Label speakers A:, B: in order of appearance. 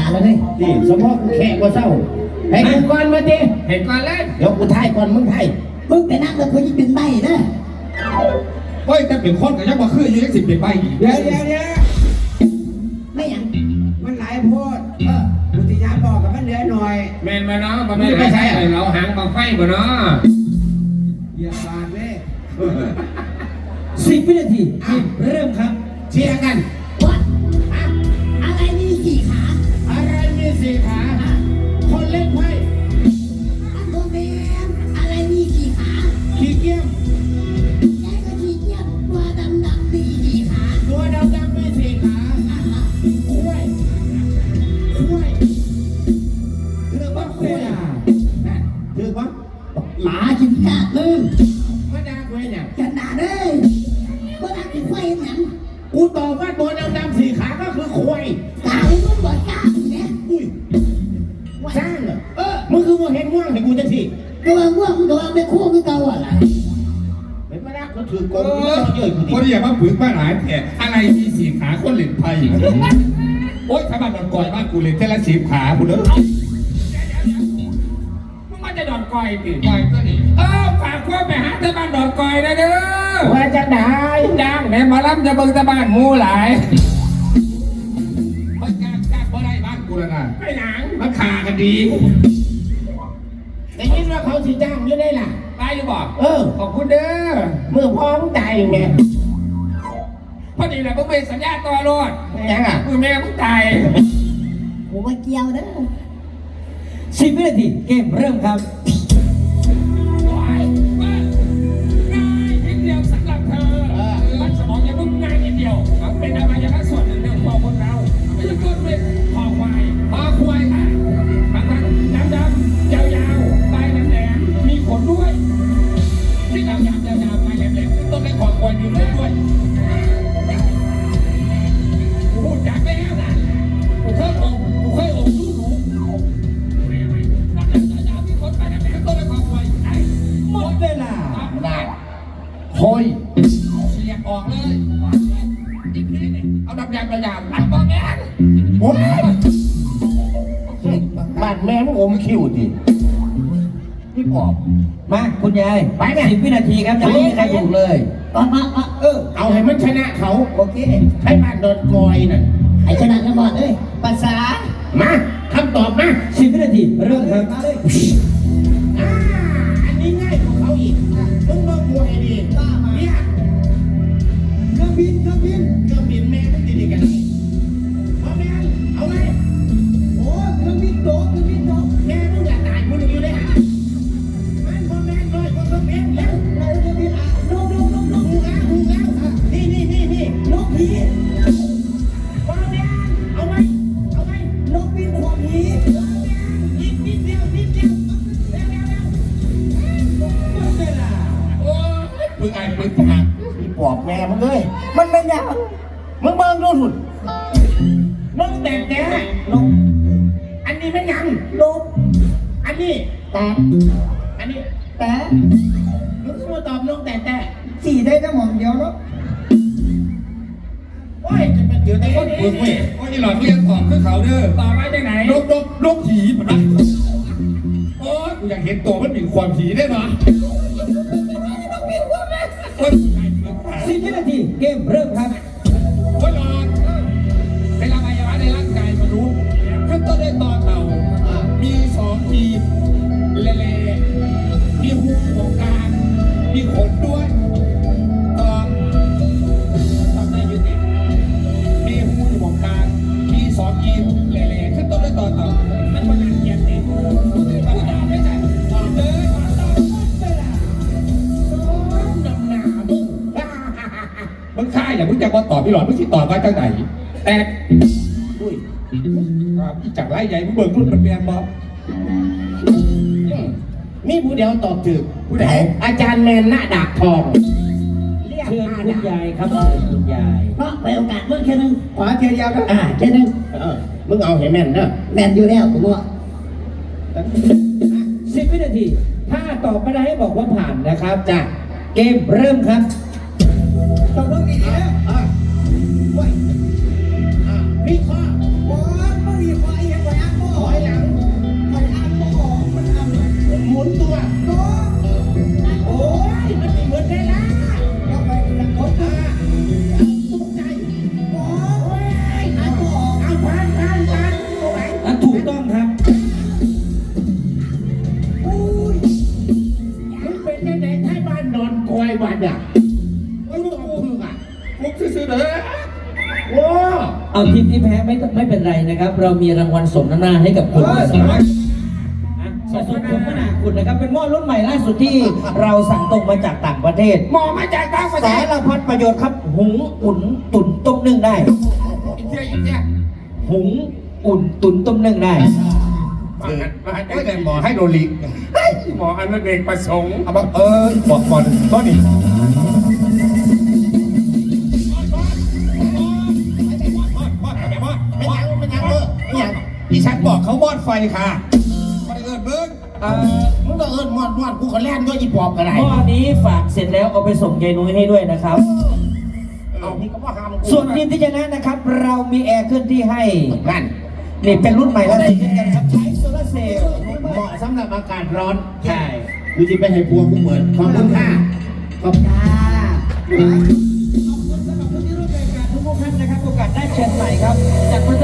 A: แล้วเลย
B: นี่สมมติแขกว่าเศร้าให้กูก่อนมาดิ
C: เห็นก่อนเลย
B: เดี๋ยวกูถ่ายก่อนมึงถ่าย
A: มึงไปนั่งแล้วกูยิ่งดึงใบนะ
C: เฮ้ยแต่เป็นคนกับยักษ์มาคืออยู่ยัง10เป็นใบ
D: เดี๋ยว
A: ไม่ยัง
D: มันหลายโพดอุทยานบอกกับมันเหลือหน่อย
C: แมนมาเนาะมันไม่ใช่เราหางบางไฟบ่เนาะ
D: เหยียบบานเลย
B: 10 วินาทีเริ่มครับเชียร์กัน
A: วัดอะไรมี4 ขา
B: อะไรมี4 ขาคนเล่นไพ่
A: โมเมนอะไรมี4 ขา
B: ขี้เกียจ
A: แกก็ขี้เกียจตัวดำมี4 ขา
B: ตัวดำมี4 ขาคุ้ยถือว่าคุ้ยถือว่า
A: หมากินกาดมึง
B: ไม่ได้คุ้ยเนี่ย
A: กันด่าเลยว่าด่ากินควายหนัง
B: กูตอบว่าตัวดำ4 ขาก็คือคุ้ย
A: กามึงบอกกาเนี่ย
B: อุ้ยสร้างเหรอมึงคือว่าเห็นง่วงแต่กูจะที
A: ตัวง่วงตัวไม่คู่คือเก่าอ่ะล่ะ
B: ไม่มาแล้วเขาถือกองเยอะกูดิ
C: คนเดียวมาผืนบ้านหลายแผลอะไรมี4 ขาคนเล่นไพ่โอ๊ยถ้าบ้านดอนกอยบ้านกูเล่นเท่าละ10 ขากูเด้อมึงมาจะดอนกอยติกอยก็ดีฝากว่าไปหาเจ้าบ้านดอนกอยนะเด้อ
B: ว่าจะได้
C: จ้างแม่มาล้ำจะเบิ่งตะบ้านมูหลายเฮ้ยจ้างเพราะได้บ้านกูแล้วนะไม่หนังมันขากันดี
B: แต่ยินว่าเขาสิจ้างอยู่ได้ล่ะ
C: ไปหรือเปล่าขอบคุณเด้อ
B: เมื่อพร้อมตายไง
C: พอดีแหละมึงเป็นสัญญาต่อรถ
B: ยังอ่ะ
C: มึงแม่มึงตาย
A: กูว่าเกี่ยวเด้อ
B: 10 วินาทีเกมเริ่มครับ
C: ง่ายนิดเดียวสำหรับเธอมันสมองยังมึงง่ายนิดเดียวมันเป็นอะไรอย่างนั้นส่วนหนึ่งของคนเราไม่ใช่ต้นเป็นคอควายค่ะมันดำยาวๆปลายแหลมๆมีขนด้วยที่ดำยาวๆปลายแหลมๆต้นเป็นคอควายมีขนด้วยพูดจากแล้วนะกูเคยอมดู
B: หมดเวลาได้โอย
C: เสียบออกเลยอีกนิดนึงเอาดำยางปัดบอลแม่
B: โอ้ยบ้านแม่มึงอมคิวดิพี่ปอบมาคุณยายไปเนี่ย10 วินาทีครับจะไม่มีใครถูกเลยเอาให้มันชนะเขาโอเคให้บ้านโดนกอยน่ะ
A: ให้ชนะกันหมดเลยภาษา
B: มาคำตอบมา10 วินาทีเริ่มครับอันนี้ง่ายกว่าเขาอีกมึงต้องมวยดีเนี่ยเครื่องบินแม่มึงดีๆกันเอาแม่เอาไหมโอ้เครื่องบินโตแม่มึงอย่าตายกูอยู่เลยฮะมันคนแม่น้อยคนเครื่องบินแล้วเครื่องบินนกหูแล้วนี่นกผีเอาไหม
A: นกบินขวางหี
B: นิดเดียว
C: โอ้ยปึกหัก
B: พี่ปอบแม่มึงเลย
A: มันเป็นอย่าง
B: มึงเบิ่งดูสุดนกแต่นกอันนี้ไม่ยัง
A: นก
B: อันนี้
A: แต่
B: อันนี้
A: แต่
B: มึงก็มาตอบนกแต่
A: สี่ได้ก็หมองเดียวเนาะ
B: โอ้ยจะเป็นเดือดแต่คนเบิ่งเว้ย
C: โอ้ยหลอดเรียนตอบคือเขาเด้อตอบไว้ได้ไหนนกผีมันนะโอ้ยกูอยากเห็นตัวมันเป็นความผีได้ไหม
B: 10 วินาทีเกมเริ่มครับ
C: โอ้ยหลอดเป็นอวัยวะในร่างกายมนุษย์ขึ้นต้นด้วยต่อเต่ามี2 ทีเล่ๆมีหูของกลางมีขนด้วยทำได้ยืดมีหูของกลางมี2 ทีเล่ๆขึ้นต้นด้วยต่อเต่ามันมันเกียรติมันยาวไม่ใช่ตอบเลยมึงฆ่าอย่ามึงจะมาตอบพี่หลอดมึงสิตอบว่าจังไหนแต่อุ้ยจากไล่ใหญ่มึงเบิกรุ่นมันเมียนบอ
B: นี่ผู้เดียวตอบถูก
C: ผู้ใด
B: อาจารย์แมนหน้าดาบทอง
A: เชิญคุณยายครับคุณยายเพราะไปโอกาสเมื่อแค่นึง
B: ขวาเทียร์ครับ
A: แค่นึง
B: มึงเอาให้แม่นเด้อ
A: แม่นอยู่แล้วผมว่า
B: 10 วินาทีถ้าตอบไม่ได้ให้บอกว่าผ่านนะครับจ้ะเกมเริ่มครับ
D: ตอบต้องดีนะ
B: วิเคราะห์
D: มึงวิเคราะห์ยังไง
A: เอาทีมที่แพ้ไม่เป็นไรนะครับ เรามีรางวัลสมน้ำหน้าให้กับคุณสมนาคุณนะครับเป็นหม้อรุ่นใหม่ล่าสุดที่เราสั่งตรงมาจากต่างประเทศ
C: หมอมาจากต่างประเท
A: สา
C: ศ
A: รพัดประโยชน์ครับ หุงอุ่นตุ๋นต้มนึ่งได้
C: อีกเที่ย
A: หุงอุ่นตุ๋นต้มนึ่งได้
C: มาแต่หมอให้โดลิหมออนุเดกประสงค์
B: เอามาบอกก่อนต้นนี่ดิฉันบอกเขามอดไฟค่ะไม่ได้เอิญเบิ้งมึงก็เอิญมอดกูก็แล่นด้วยอีปอบกันไหน
A: หม้อนี้ฝากเสร็จแล้วเอาไปส่งยายนุ้ยให้ด้วยนะครับ
B: เอานี่ก็ว่าห้าม
A: ส่วนทีมที่ชนะนะครับ เรามีแอร์เคลื่อนที่ให้
B: นั่น
A: นี่เป็นรุ่นใหม่แล้วติดกันครับใช้โซลาร์เซลล์
B: เหมาะสำหรับอากาศร้อน
A: ใช่
B: กูจะไปให้พวงกูเหมือนขอบคุณค่ะขอบคุณค่ะ
A: ขอบคุณสำหรับผู้ที่ร่วมรายการทุกท่านนะครับโอกาสได้เชิญใหม่ครับจากประ